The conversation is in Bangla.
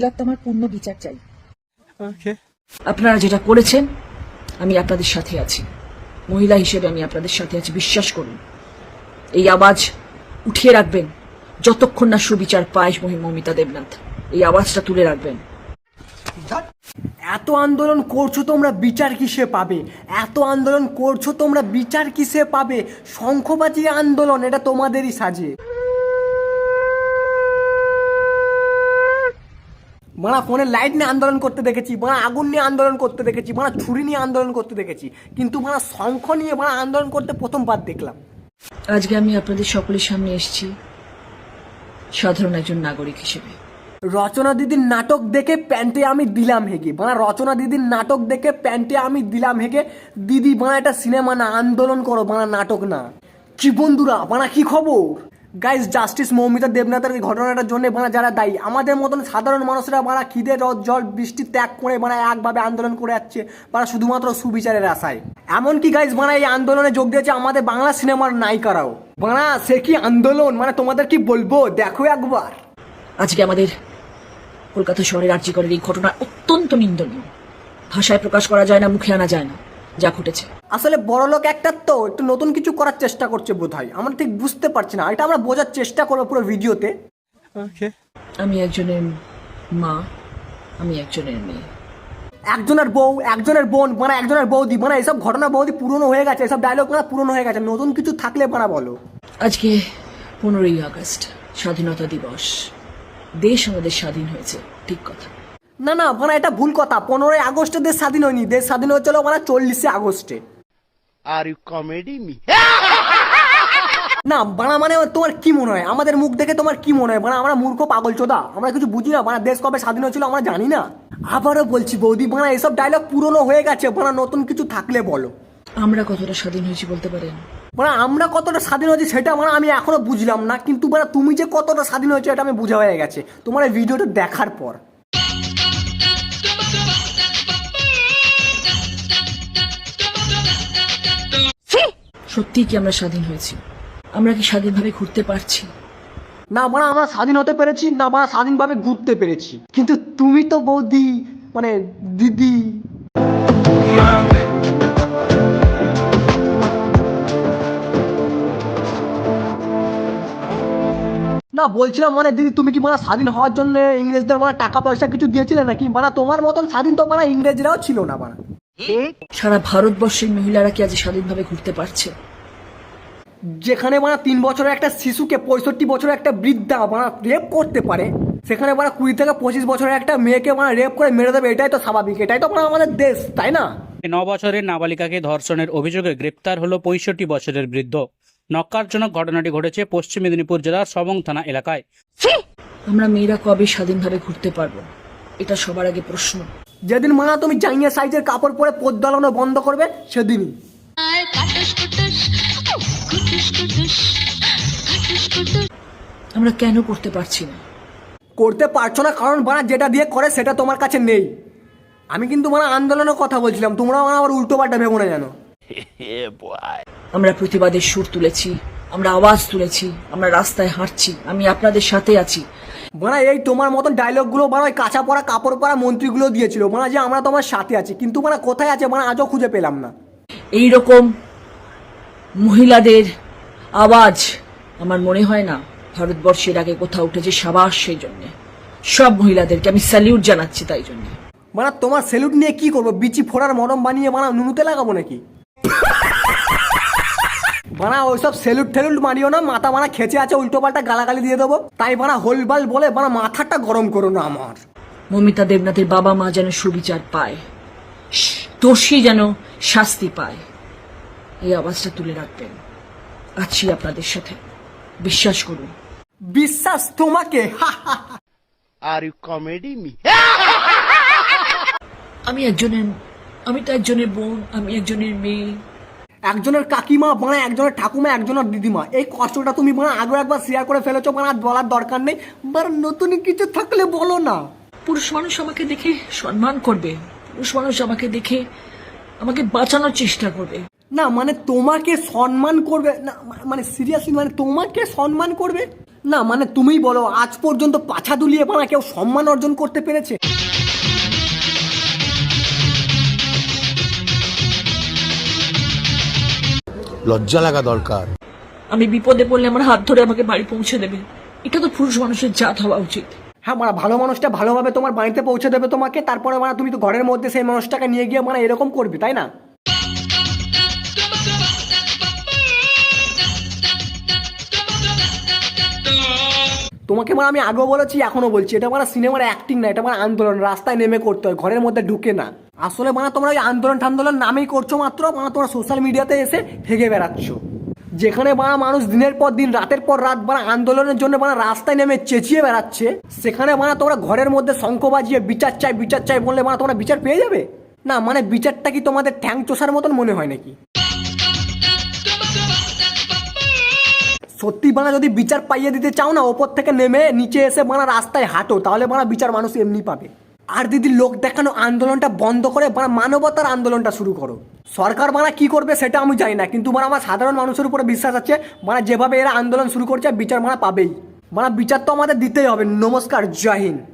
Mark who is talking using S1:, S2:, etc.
S1: তিলোত্তমার পূর্ণ বিচার চাই। আপনারা যেটা করেছেন আমি আপনাদের সাথে আছি, মহিলা হিসেবে আমি আপনাদের সাথে আছি, বিশ্বাস করুন। এই আওয়াজ উঠিয়ে রাখবেন যতক্ষণ না সুবিচার পায় মমিতা দেবনাথ, এই আওয়াজটা তুলে রাখবেন।
S2: এত আন্দোলন করছো তোমরা বিচার কিসে পাবে? এত আন্দোলন করছো তোমরা বিচার কিসে পাবে? শঙ্খবাজি আন্দোলন এটা তোমাদেরই সাজে। মারা ফোনে লাইট নিয়ে আন্দোলন করতে দেখেছি, মারা আগুন নিয়ে আন্দোলন করতে দেখেছি, মারা ছুরি নিয়ে আন্দোলন করতে দেখেছি, কিন্তু মারা শঙ্খ নিয়ে মারা আন্দোলন করতে প্রথমবার দেখলাম।
S1: আজকে আমি আপনাদের সকলের সামনে এসেছি সাধারণ একজন নাগরিক হিসেবে।
S2: রচনা দিদির নাটক দেখে প্যান্টে আমি দিলাম হেগে, মানে রচনা দিদির নাটক দেখে প্যান্টে আমি দিলাম হেগে। দিদি মানে এটা সিনেমা না, আন্দোলন করো, মানে নাটক না। কি বন্ধুরা মানে কি খবর? গাইজ, জাস্টিস মৌমিতা দেবনাথের এই ঘটনাটার জন্য মানে যারা দায়ী, আমাদের মতন সাধারণ মানুষরা মানে খিদে রোদ জল বৃষ্টি ত্যাগ করে মানে একভাবে আন্দোলন করে যাচ্ছে মানে শুধুমাত্র সুবিচারের আশায়। এমনকি গাইজ মানে এই আন্দোলনে যোগ দিয়েছে আমাদের বাংলা সিনেমার নায়িকারাও। মানে সে কি আন্দোলন, মানে তোমাদের কি বলবো, দেখো একবার।
S1: আজকে আমাদের কলকাতা শহরের আর্যিকরের এই ঘটনা অত্যন্ত নিন্দনীয়, ভাষায় প্রকাশ করা যায় না, মুখে আনা যায় না যা ঘটেছে।
S2: আসলে বড় লোক একটা তো একটু নতুন কিছু করার চেষ্টা করছে বোধহয়, আমরা ঠিক বুঝতে পারছি না, এটা আমরা বোঝার চেষ্টা করবো পুরো ভিডিওতে।
S1: আমি একজনের মা, আমি একজনের মেয়ে,
S2: একজনের বউ, একজনের বোন, মানে একজনের বৌদি, মানে এইসব ঘটনা বৌদি পুরনো হয়ে গেছে, এসব ডায়লগ মানে পুরনো হয়ে গেছে, নতুন কিছু থাকলে মানে বলো।
S1: আজকে 15ই আগস্ট স্বাধীনতা দিবস, দেশ আমাদের স্বাধীন হয়েছে, ঠিক কথা
S2: না না মানে এটা ভুল কথা, 15ই আগস্টে দেশ স্বাধীন হয়নি, দেশ স্বাধীন হয়েছিল মানে 40শে আগস্টে।
S3: Are you comedy me?
S2: না বানা মানে তোমার কি মনে হয়, আমাদের মুখ দেখে তোমার কি মনে হয় মানে আমরা মূর্খ পাগল চোদা, আমরা কিছু বুঝি না, মানে দেশ কবে স্বাধীন হয়েছিল আমরা জানি না? আবারও বলছি বৌদি, মানে এসব ডায়লগ পুরনো হয়ে গেছে, মানে নতুন কিছু থাকলে বলো।
S1: আমরা কতটা স্বাধীন হয়েছি বলতে পারেন?
S2: মানে আমরা কতটা স্বাধীন হয়েছি সেটা মানে আমি এখনো বুঝলাম না, কিন্তু মানে তুমি যে কতটা স্বাধীন হয়েছে এটা আমি বোঝা হয়ে গেছে তোমার এই ভিডিওটা দেখার পর।
S1: সত্যি কি আমরা স্বাধীন হয়েছি? আমরা কি স্বাধীনভাবে ঘুরতে পারছি?
S2: না মানে আমরা স্বাধীন হতে পেরেছি না, মানে স্বাধীনভাবে ঘুরতে পেরেছি, কিন্তু তুমি তো বৌদি মানে দিদি। না বলছিলাম মানে দিদি, তুমি কি মানে স্বাধীন হওয়ার জন্য ইংরেজদের মানে টাকা পয়সা কিছু দিয়েছিলে নাকি? মানে তোমার মতন স্বাধীন তো মানে ইংরেজরাও ছিল না মানে।
S1: সারা ভারতবর্ষের মহিলারা কি আজ স্বাধীনভাবে ঘুরতে পারছে?
S2: যেখানে মানে 3 বছরের একটা শিশুকে 65 বছরের একটা বৃদ্ধা মানে রেপ করতে পারে, সেখানে মানে 20 থেকে 25 বছরের একটা মেয়েকে মানে রেপ করে মেরে দেবে, এটাই তো স্বাভাবিক, এটাই তো মানে আমাদের দেশ, তাই না?
S4: 9 বছরের নাবালিকাকে ধর্ষণের অভিযোগে গ্রেপ্তার হলো 65 বছরের বৃদ্ধ। নক্কারজনক ঘটনাটি ঘটেছে পশ্চিম মেদিনীপুর জেলার সবং থানা এলাকায়।
S1: আমরা মেয়েরা কবে স্বাধীনভাবে ঘুরতে পারবো, এটা সবার আগে প্রশ্ন।
S2: যেদিন মানে তুমি জাইয়া সাইজের কাপড় পরে পদ্মালানো বন্ধ করবে সেদিনই।
S1: আমরা কেন করতে পারছি না?
S2: করতে পারছো না কারণ মানে যেটা দিয়ে করে সেটা তোমার কাছে নেই। আমি কিন্তু মানে আন্দোলনের কথা বলছিলাম, তোমরা মানে আবার উল্টো পাল্টা ভেবো না জানো।
S1: আমরা প্রতিবাদের সুর তুলেছি, আমরা আওয়াজ তুলেছি, আমরা রাস্তায় হাঁটছি, আমি আপনাদের সাথে আছি।
S2: মানে এই তোমার মতন ডায়লগগুলো মানে ওই কাঁচা পড়া কাপড় পরা মন্ত্রীগুলো দিয়েছিল, মানে যে আমরা তোমার সাথে আছি, কিন্তু মানে কোথায় আছে মানে আজও খুঁজে পেলাম না।
S1: এইরকম মহিলাদের আওয়াজ আমার মনে হয় না ভারতবর্ষের আগে কোথাও উঠেছে। সাবাস সেই জন্যে সব মহিলাদেরকে আমি স্যালিউট জানাচ্ছি। তাই জন্য
S2: মানে তোমার সেলুট নিয়ে কি করবো, বিচি ফোড়ার মরম বানিয়ে মানে নুনুতে লাগাবো নাকি? বানা ওইসব সেলুট ঠেলুট মারিও না, মাথা বানা খেচে আছে, উল্টো পাল্টা গালাগালি দিয়ে দেবো, তাই বানা হোলবাল বলে বানা মাথাটা গরম করো না আমার।
S1: মমিতা দেবনাথের বাবা মা যেন সুবিচার পায়, দোষী যেন শাস্তি পায়, এই আওয়াজটা তুলে রাখবেন। আছি আপনাদের সাথে, বিশ্বাস করুন।
S2: বিশ্বাস তোমাকে?
S3: Are you comedy me?
S1: আমি তো একজনের বোন, আমি একজনের মেয়ে,
S2: একজনের কাকিমা মানে একজনের ঠাকুমা, একজনের দিদিমা, এই কষ্টটা তুমি মানে আগে একবার শেয়ার করে ফেলেছো, মানে আর বলার দরকার নেই। মানে নতুন কিছু থাকলে বলো না।
S1: পুরুষ মানুষ আমাকে দেখে সম্মান করবে, পুরুষ মানুষ আমাকে দেখে আমাকে বাঁচানোর চেষ্টা করবে।
S2: না মানে তোমাকে সম্মান করবে না, মানে সিরিয়াসলি মানে তোমাকে সম্মান করবে? না মানে তুমিই বলো আজ পর্যন্ত পাছা দুলিয়ে বানা কেউ সম্মান অর্জন করতে পেরেছে?
S3: লজ্জা লাগা দরকার।
S1: আমি বিপদে পড়লে আমার হাত ধরে আমাকে বাড়ি পৌঁছে দেবে, এটা তো পুরুষ মানুষের জাত হওয়া উচিত।
S2: হ্যাঁ মানে ভালো মানুষটা ভালোভাবে তোমার বাড়িতে পৌঁছে দেবে তোমাকে, তারপরে মানে তুমি তো ঘরের মধ্যে সেই মানুষটাকে নিয়ে গিয়ে মানে এরকম করবে, তাই না? তোমাকে মানে আমি আগেও বলেছি এখনো বলছি, এটা মানে সিনেমার অ্যাক্টিং না, এটা মানে আন্দোলন, রাস্তায় নেমে করতে হয়, ঘরের মধ্যে ঢুকে না। আসলে মানে তোমরা ওই আন্দোলন ঠান্দোলন নামেই করছো মাত্র, মানে তোমরা সোশ্যাল মিডিয়াতে এসে হেগে বেড়াচ্ছ। যেখানে বানা মানুষ দিনের পর দিন রাতের পর রাত বানা আন্দোলনের জন্য বানা রাস্তায় নেমে চেঁচিয়ে বেড়াচ্ছে, সেখানে বানা তোমরা ঘরের মধ্যে শঙ্খ বাজিয়ে বিচার চাই বললে মানে তোমরা বিচার পেয়ে যাবে? না মানে বিচারটা কি তোমাদের ঠ্যাং চোষার মতন মনে হয় নাকি? সত্যি বানা যদি বিচার পাইয়ে দিতে চাও না, ওপর থেকে নেমে নিচে এসে বানা রাস্তায় হাঁটো, তাহলে বানা বিচার মানুষ এমনি পাবে। আর দিদি লোক দেখানো আন্দোলনটা বন্ধ করে বানা মানবতার আন্দোলনটা শুরু করো। সরকার বানা কি করবে সেটা আমি জানি না, কিন্তু বানা আমার সাধারণ মানুষের উপরে বিশ্বাস আছে, বানা যেভাবে এরা আন্দোলন শুরু করছে বিচার বানা পাবেই। বানা বিচার তো আমাদের দিতেই হবে। নমস্কার, জয় হিন্দ।